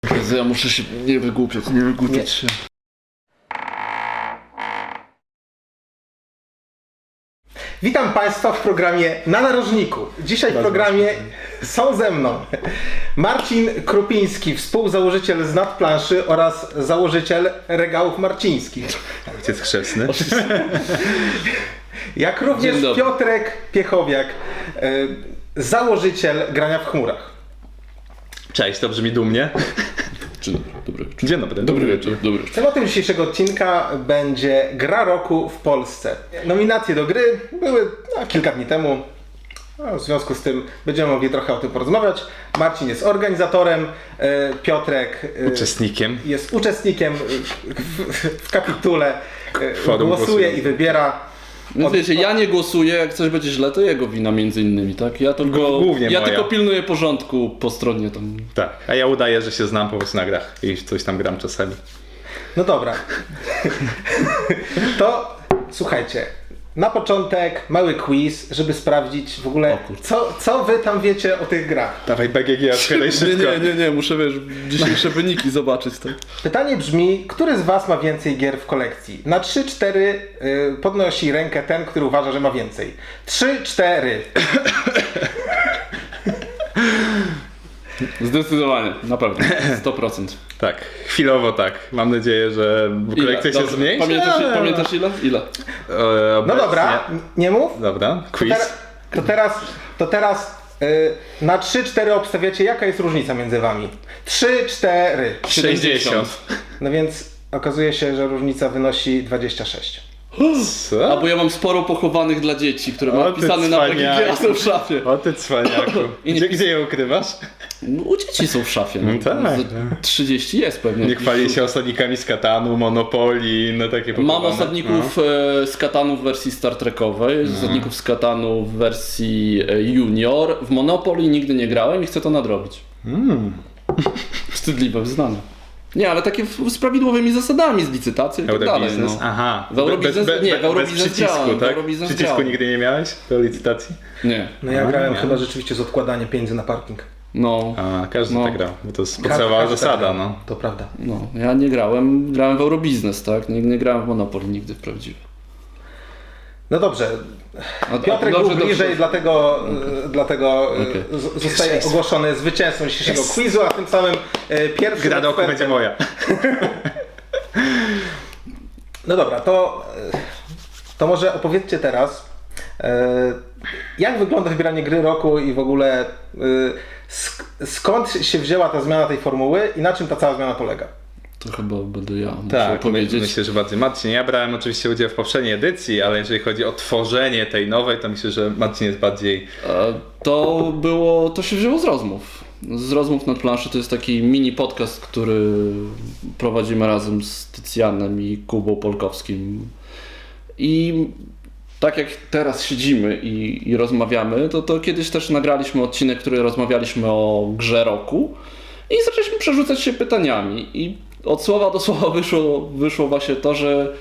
Ja muszę się nie wygłupiać się. Witam Państwa w programie Na Narożniku. Dzisiaj w programie są ze mną Marcin Krupiński, współzałożyciel z Nadplanszy oraz założyciel Regałów Marcińskich. Ojciec chrzestny. Jak również Dzień dobry. Piotrek Piechowiak, założyciel Grania w Chmurach. Cześć, to brzmi dumnie. Dzień dobry. Dzień dobry. Dobry wieczór. Dobry. Tematem dzisiejszego odcinka będzie Gra Roku w Polsce. Nominacje do gry były kilka dni temu. W związku z tym będziemy mogli trochę o tym porozmawiać. Marcin jest organizatorem, Piotrek Uczestnikiem. jest uczestnikiem w kapitule, Forum głosuje i wybiera. No wiecie, ja nie głosuję, jak coś będzie źle, to jego wina między innymi, tak? Ja Głównie moja. tylko pilnuję porządku po stronie tam. Tak, a ja udaję, że się znam po prostu na grach i coś tam gram czasami. No dobra. To słuchajcie, na początek mały quiz, żeby sprawdzić w ogóle co wy tam wiecie o tych grach. Dawaj BGG, odchylaj szybko. Nie, muszę dzisiejsze wyniki zobaczyć, tak? Pytanie brzmi, który z was ma więcej gier w kolekcji? Na 3-4 podnosi rękę ten, który uważa, że ma więcej. 3-4. Zdecydowanie, na pewno, 100%. Tak, chwilowo tak. Mam nadzieję, że kolekcja się Dobra, zmniejszy. Pamiętasz ile? Ile? No dobra, nie mów. Dobra, quiz. To teraz na 3-4 obstawiacie, jaka jest różnica między wami. 3-4. 60. No więc okazuje się, że różnica wynosi 26. Co? A bo ja mam sporo pochowanych dla dzieci, które mam O, ty wpisane na cwaniaku. PGG, a są w szafie. O ty cwaniaku. I nie Gdzie je ukrywasz? No, u dzieci są w szafie. No tak, Ze no. 30 jest pewnie. Nie chwali się osadnikami z Katanu, Monopolii, no takie Mam pochowane. osadników z Katanu w wersji Star Trekowej, osadników z Katanu w wersji Junior. W Monopoly nigdy nie grałem i chcę to nadrobić. Wstydliwe wyznanie. Nie, ale takie z prawidłowymi zasadami, z licytacją i tak dalej. Eurobiznes? No. Aha. W Eurobiznes, nie, w Eurobiznes bez przycisku, grałem, w tak? Eurobiznes Przycisku grałem. nigdy nie miałeś do licytacji? Nie. No ja grałem nie. chyba rzeczywiście z odkładaniem pieniędzy na parking. No. A, każdy No. tak grał, bo to jest podstawowa Każdy zasada, tak grał. no. To prawda. No, ja nie grałem, grałem w Eurobiznes, tak? Nie grałem w Monopoly nigdy w prawdziwy. No dobrze. A Piotrek dobrze, był bliżej, dlatego Okej. zostaje ogłoszony zwycięzcą dzisiejszego quizu, a tym samym pierwszym Gra do oku będzie moja. No dobra, to może opowiedzcie teraz, jak wygląda wybieranie gry roku i w ogóle skąd się wzięła ta zmiana tej formuły i na czym ta cała zmiana polega? To chyba będę ja muszę Tak, powiedzieć. myślę, że bardziej Marcin. Ja brałem oczywiście udział w poprzedniej edycji, ale jeżeli chodzi o tworzenie tej nowej, to myślę, że Marcin jest bardziej... To się wzięło z rozmów. Z rozmów nad planszy to jest taki mini podcast, który prowadzimy razem z Tycjanem i Kubą Polkowskim. I tak jak teraz siedzimy i rozmawiamy, to kiedyś też nagraliśmy odcinek, który rozmawialiśmy o grze roku i zaczęliśmy przerzucać się pytaniami. I od słowa do słowa wyszło właśnie to, że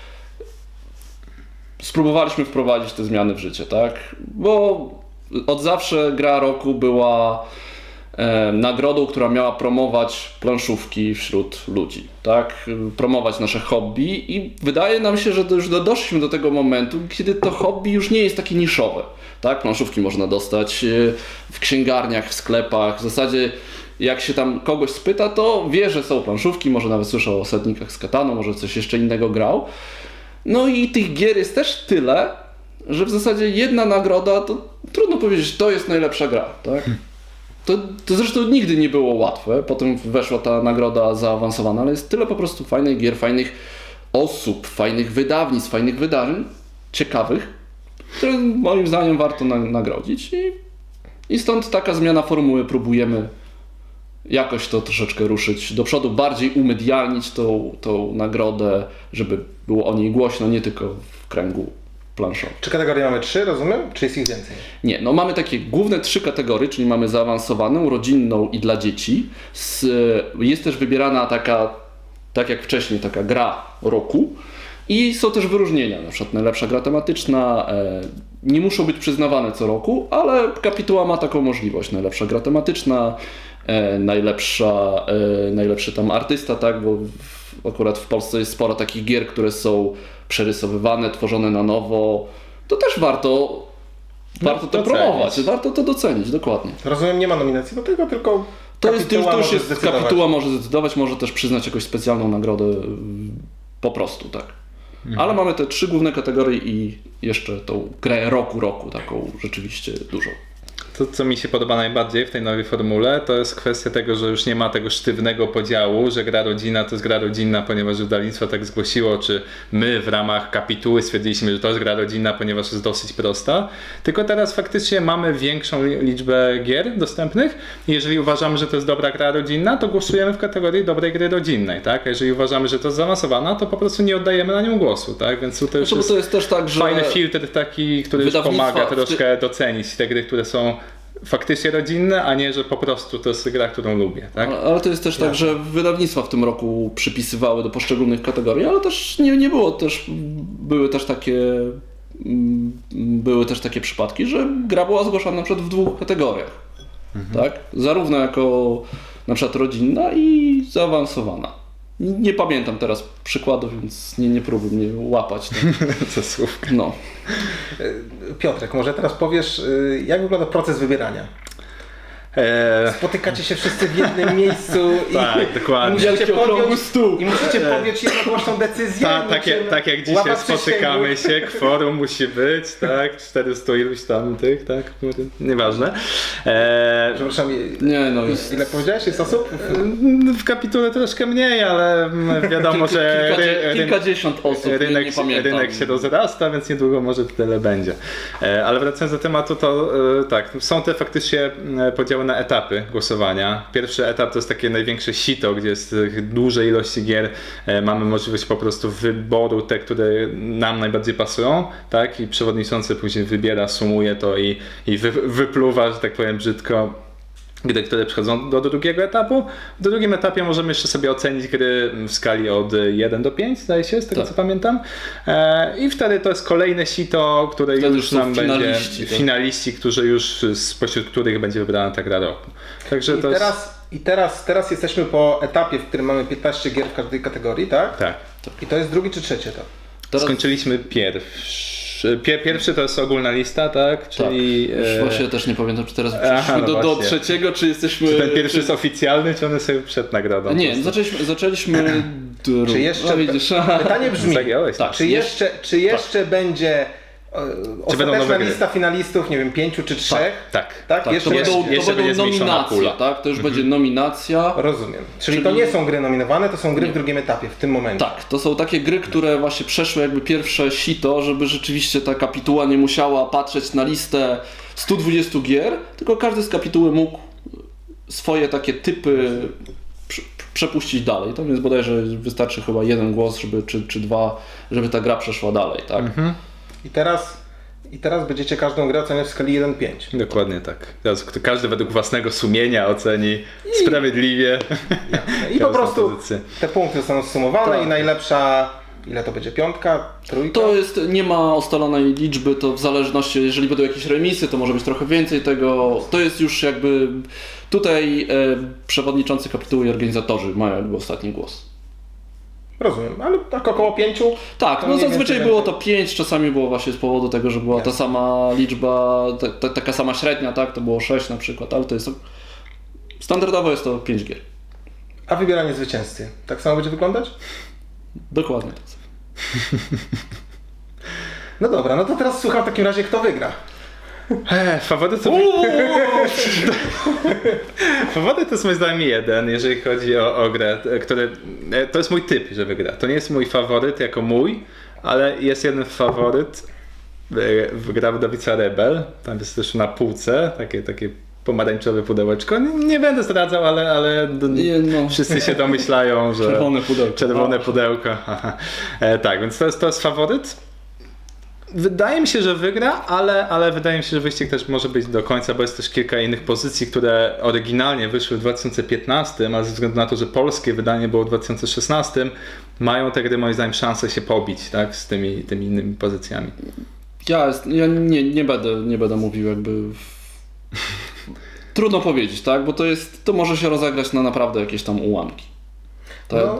spróbowaliśmy wprowadzić te zmiany w życie, tak? Bo od zawsze gra roku była nagrodą, która miała promować planszówki wśród ludzi, tak? Promować nasze hobby i wydaje nam się, że już doszliśmy do tego momentu, kiedy to hobby już nie jest takie niszowe, tak? Planszówki można dostać w księgarniach, w sklepach, w zasadzie jak się tam kogoś spyta, to wie, że są planszówki, może nawet słyszał o osadnikach z Katanu, może coś jeszcze innego grał. No i tych gier jest też tyle, że w zasadzie jedna nagroda, to trudno powiedzieć, to jest najlepsza gra, tak? To zresztą nigdy nie było łatwe, potem weszła ta nagroda zaawansowana, ale jest tyle po prostu fajnych gier, fajnych osób, fajnych wydawnictw, fajnych wydarzeń, ciekawych, które moim zdaniem warto nagrodzić i stąd taka zmiana formuły, próbujemy jakoś to troszeczkę ruszyć do przodu, bardziej umedialnić tą nagrodę, żeby było o niej głośno, nie tylko w kręgu planszowym. Czy kategorie mamy 3, rozumiem? Czy jest ich więcej? Nie, no mamy takie główne 3 kategorie, czyli mamy zaawansowaną, rodzinną i dla dzieci. Jest też wybierana taka, tak jak wcześniej, taka gra roku. I są też wyróżnienia, na przykład najlepsza gra tematyczna, nie muszą być przyznawane co roku, ale kapituła ma taką możliwość. Najlepsza gra tematyczna, najlepszy tam artysta, tak, bo akurat w Polsce jest sporo takich gier, które są przerysowywane, tworzone na nowo. To też warto to docenić. promować, warto to docenić, dokładnie. Rozumiem, nie ma nominacji do tego, tylko To już może jest, zdecydować. kapituła może zdecydować, może też przyznać jakąś specjalną nagrodę po prostu, tak. Ale mamy te 3 główne kategorie i jeszcze tą grę roku, taką rzeczywiście dużą. To, co mi się podoba najbardziej w tej nowej formule, to jest kwestia tego, że już nie ma tego sztywnego podziału, że gra rodzina to jest gra rodzinna, ponieważ wydawnictwo tak zgłosiło, czy my w ramach kapituły stwierdziliśmy, że to jest gra rodzinna, ponieważ jest dosyć prosta. Tylko teraz faktycznie mamy większą liczbę gier dostępnych i jeżeli uważamy, że to jest dobra gra rodzinna, to głosujemy w kategorii dobrej gry rodzinnej, tak? A jeżeli uważamy, że to jest zaawansowana, to po prostu nie oddajemy na nią głosu, tak? Więc tutaj już Bo to jest też tak, że fajny filtr taki, który już wydawnictwa pomaga troszkę docenić te gry, które są faktycznie rodzinne, a nie, że po prostu to jest gra, którą lubię, tak? Ale to jest też tak, że wydawnictwa w tym roku przypisywały do poszczególnych kategorii, ale też nie było też, były też takie przypadki, że gra była zgłaszana na przykład w 2 kategoriach, tak? Zarówno jako na przykład rodzinna i zaawansowana. Nie pamiętam teraz przykładów, więc nie próbuj mnie łapać. Tak? Co słówka. No. Piotrek, może teraz powiesz, jak wygląda proces wybierania? Spotykacie się wszyscy w jednym miejscu Tak, dokładnie. musicie Okrągły podjąć, stół. i musicie podjąć jednogłośną decyzję. Tak jak dzisiaj łapać spotykamy przysięgły. się, kworum musi być, tak? 400 iluś tam tych, tak? Nieważne. Przepraszam, Nie, no jest. ile powiedziałeś? Jest osób? W kapitule troszkę mniej, ale wiadomo, że Kilkadziesiąt osób, nie pamiętam. rynek się rozrasta, więc niedługo może tyle będzie. Ale wracając do tematu, to tak, są te faktycznie podziały na etapy głosowania. Pierwszy etap to jest takie największe sito, gdzie jest duże ilości gier. Mamy możliwość po prostu wyboru te, które nam najbardziej pasują, tak? I przewodniczący później wybiera, sumuje to i wypluwa, że tak powiem brzydko, gry, które przechodzą do drugiego etapu. W drugim etapie możemy jeszcze sobie ocenić gry w skali od 1 do 5, zdaje się, z tego Tak. co pamiętam. I wtedy to jest kolejne sito, które Wtedy już są nam finaliści, będzie tak. finaliści, którzy już spośród których będzie wybrana ta gra roku. Także to Teraz jesteśmy po etapie, w którym mamy 15 gier w każdej kategorii, tak? tak. I to jest drugi czy trzeci etap? Teraz, Skończyliśmy pierwszy to jest ogólna lista, tak? Czyli Już właśnie też nie pamiętam, czy teraz Aha, przeszliśmy no do właśnie. trzeciego, czy jesteśmy... ten pierwszy jest oficjalny, czy on jest sobie przed nagrodą? Nie, zaczęliśmy drugi. Czy jeszcze... No, widzisz, Pytanie brzmi, Zagiąłeś. tak. czy jeszcze będzie będą ostateczna nowe gry? lista finalistów, nie wiem, 5 czy 3? Tak. Tak? Tak, Jeszcze to jest? jeszcze będą będzie zmniejszona nominacje, pula. tak? To już będzie nominacja. Rozumiem. Czyli to nie są gry nominowane, to są gry w drugim etapie, w tym momencie. Tak, to są takie gry, które właśnie przeszły jakby pierwsze sito, żeby rzeczywiście ta kapituła nie musiała patrzeć na listę 120 gier, tylko każdy z kapituły mógł swoje takie typy przepuścić dalej. Tam jest bodajże wystarczy chyba 1 głos, żeby, czy 2, żeby ta gra przeszła dalej, tak? I teraz będziecie każdą grę oceniać w skali 1-5. Dokładnie tak. Teraz każdy według własnego sumienia oceni sprawiedliwie. I po prostu pozycję. te punkty zostaną zsumowane Tak. i najlepsza, ile to będzie, 5, 3? To jest, nie ma ustalonej liczby, to w zależności, jeżeli będą jakieś remisy, to może być trochę więcej tego. To jest już jakby, tutaj przewodniczący kapituły i organizatorzy mają jakby ostatni głos. Rozumiem, ale tak około 5? Tak, To no mniej zazwyczaj więcej było to 5, czasami było właśnie z powodu tego, że była ta sama liczba, taka sama średnia, tak, to było 6 na przykład, ale to jest, standardowo jest to 5 gier. A wybieranie zwycięzcy, tak samo będzie wyglądać? Dokładnie tak. No dobra, no to teraz słucham w takim razie, kto wygra. Faworyt to jest moim zdaniem jeden, jeżeli chodzi o grę, który, to jest mój typ, że wygra. To nie jest mój faworyt jako mój, ale jest jeden faworyt, gra wydawnictwa Rebel, tam jest też na półce, takie pomarańczowe pudełeczko. Nie będę zdradzał, ale Nie, no. wszyscy się domyślają, że... Czerwone pudełko. Czerwone pudełko. Tak, więc to jest faworyt. wydaje mi się, że wygra, ale wydaje mi się, że wyścig też może być do końca, bo jest też kilka innych pozycji, które oryginalnie wyszły w 2015, ale ze względu na to, że polskie wydanie było w 2016, mają te gry moim zdaniem szansę się pobić, tak, z tymi innymi pozycjami. Ja nie będę mówił jakby... Trudno powiedzieć, tak? Bo to może się rozegrać na naprawdę jakieś tam ułamki. No,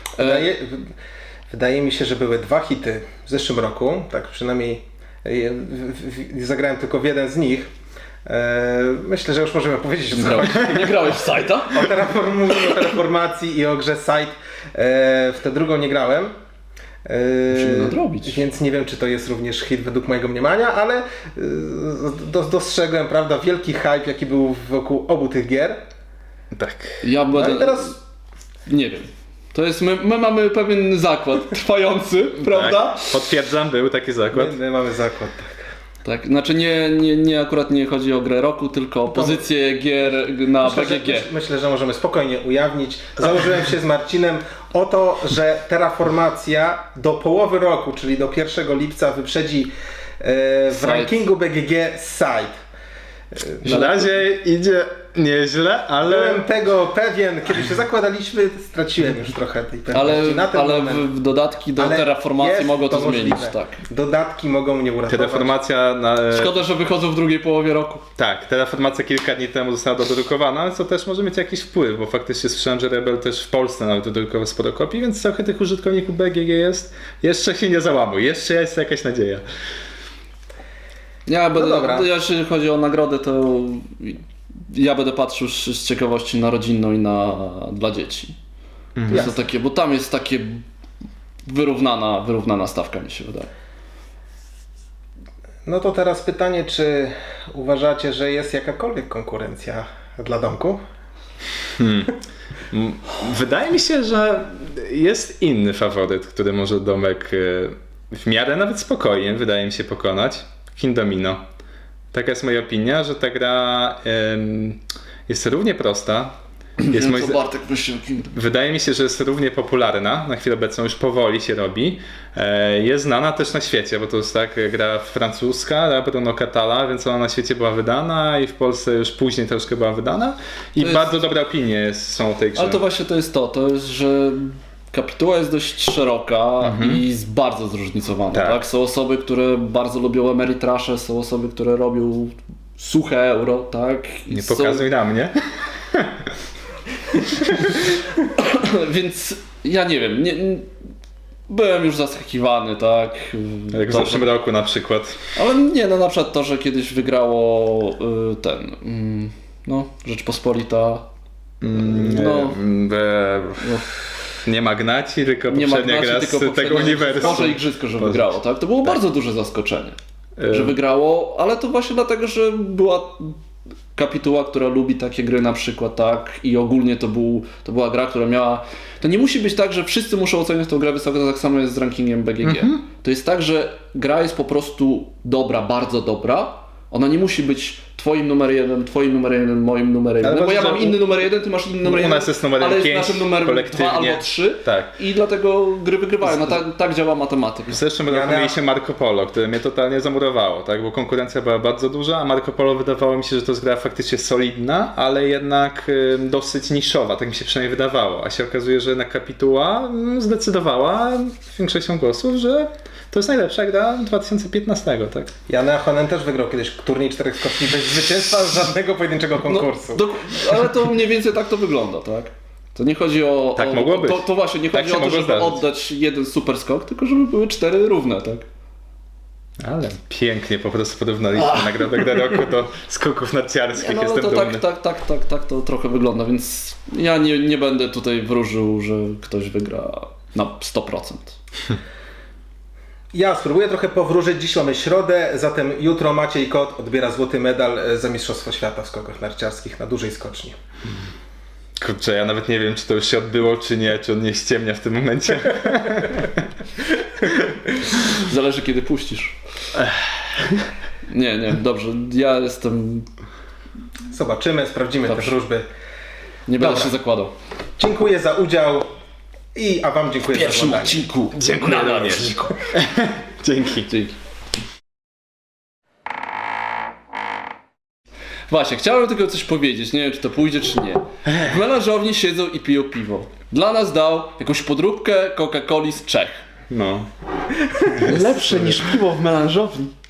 wydaje mi się, że były 2 hity w zeszłym roku, tak przynajmniej zagrałem tylko w jeden z nich. Myślę, że już możemy powiedzieć, że Nie grałeś w Sajta? o terraformacji i o grze Site. W tę drugą nie grałem. Musimy nadrobić. Więc nie wiem, czy to jest również hit według mojego mniemania, ale dostrzegłem, prawda, wielki hype, jaki był wokół obu tych gier. Tak. Ja będę... No i teraz Nie wiem. To jest, my mamy pewien zakład trwający, prawda? Tak, potwierdzam, był taki zakład. my mamy zakład. Tak, znaczy nie akurat nie chodzi o grę roku, tylko o pozycję gier na BGG. Myślę, że możemy spokojnie ujawnić. Założyłem się z Marcinem o to, że terraformacja do połowy roku, czyli do 1 lipca wyprzedzi w Site. rankingu BGG Site. Na razie idzie nieźle, ale... Byłem tego pewien, kiedy się zakładaliśmy, straciłem już trochę tej pewności. Na ten Ale moment. w dodatki do Ale terraformacji jest mogą to zmienić. możliwe. Tak. Dodatki mogą mnie uratować. Terraformacja Szkoda, że wychodzą w drugiej połowie roku. Tak, Terraformacja kilka dni temu została dodrukowana, co też może mieć jakiś wpływ, bo faktycznie słyszałem, że Rebel też w Polsce nawet dodrukował sporo kopii, więc trochę tych użytkowników BGG jest. Jeszcze się nie załamuj, jeszcze jest jakaś nadzieja. Jeśli chodzi o nagrodę, to ja będę patrzył z ciekawości na rodzinną i dla dzieci. To takie, bo tam jest takie wyrównana stawka, mi się wydaje. No to teraz pytanie, czy uważacie, że jest jakakolwiek konkurencja dla domku? Wydaje mi się, że jest inny faworyt, który może domek w miarę nawet spokojnie, wydaje mi się, pokonać. Kindomino. Taka jest moja opinia, że ta gra jest równie prosta. Jest Bartek myśli o Kingdom. Wydaje mi się, że jest równie popularna, na chwilę obecną już powoli się robi. Jest znana też na świecie, bo to jest tak gra francuska, Bruno Catala, więc ona na świecie była wydana i w Polsce już później troszkę była wydana. I bardzo dobre opinie są o tej grze. Ale to właśnie to jest, że kapituła jest dość szeroka i jest bardzo zróżnicowana. Tak. Są osoby, które bardzo lubią Ameritrasze, są osoby, które robią suche euro, tak? Nie pokazuj na mnie. Więc ja nie wiem, byłem już zaskakiwany, tak? Jak w zeszłym roku na przykład. Ale nie, no na przykład to, że kiedyś wygrało Rzeczpospolita. Nie Magnaci, tylko poprzednia gra z tego uniwersum. Może Igrzysko, że wygrało, tak? To było bardzo duże zaskoczenie, że wygrało, ale to właśnie dlatego, że była kapituła, która lubi takie gry na przykład, tak? I ogólnie to była gra, która miała... To nie musi być tak, że wszyscy muszą oceniać tę grę wysoko, to tak samo jest z rankingiem BGG. To jest tak, że gra jest po prostu dobra, bardzo dobra. Ona nie musi być twoim numer 1, twoim numer 1, moim numer 1, bo ja mam inny numer 1, ty masz inny numer 1, u nas jest numer ale 5, jest naszym numerem 2 albo 3 tak. I dlatego gry wygrywają. No tak działa matematyka. W zeszłym roku mieliśmy Marco Polo, które mnie totalnie zamurowało, tak? Bo konkurencja była bardzo duża, a Marco Polo wydawało mi się, że to jest gra faktycznie solidna, ale jednak dosyć niszowa, tak mi się przynajmniej wydawało. A się okazuje, że jednak kapituła zdecydowała większością głosów, że to jest najlepsza gra 2015, tak? Jan Ahonen też wygrał kiedyś turniej 4 skoczni bez zwycięstwa żadnego pojedynczego konkursu. Ale to mniej więcej tak to wygląda, tak? To nie chodzi o... Tak mogło być. To właśnie, nie chodzi o to, żeby oddać jeden super skok, tylko żeby były 4 równe, tak? Ale pięknie po prostu porównaliśmy nagrodę gra roku do skoków narciarskich, No, jestem to dumny. tak to trochę wygląda, więc ja nie będę tutaj wróżył, że ktoś wygra na 100%. Ja spróbuję trochę powróżyć. Dziś mamy środę, zatem jutro Maciej Kot odbiera złoty medal za Mistrzostwo Świata w skokach narciarskich na dużej skoczni. Kurczę, ja nawet nie wiem, czy to już się odbyło, czy nie, czy on nie ściemnia w tym momencie. Zależy, kiedy puścisz. Nie, dobrze, ja jestem... Zobaczymy, sprawdzimy te wróżby. Nie będę się zakładał. Dziękuję za udział a wam dziękuję za oglądanie. odcinku. Dziękuję również. Dzięki. Dzięki. Właśnie, chciałem tylko coś powiedzieć, nie wiem czy to pójdzie czy nie. W melanżowni siedzą i piją piwo. Dla nas dał jakąś podróbkę Coca-Coli z Czech. No. Lepsze niż piwo w melanżowni.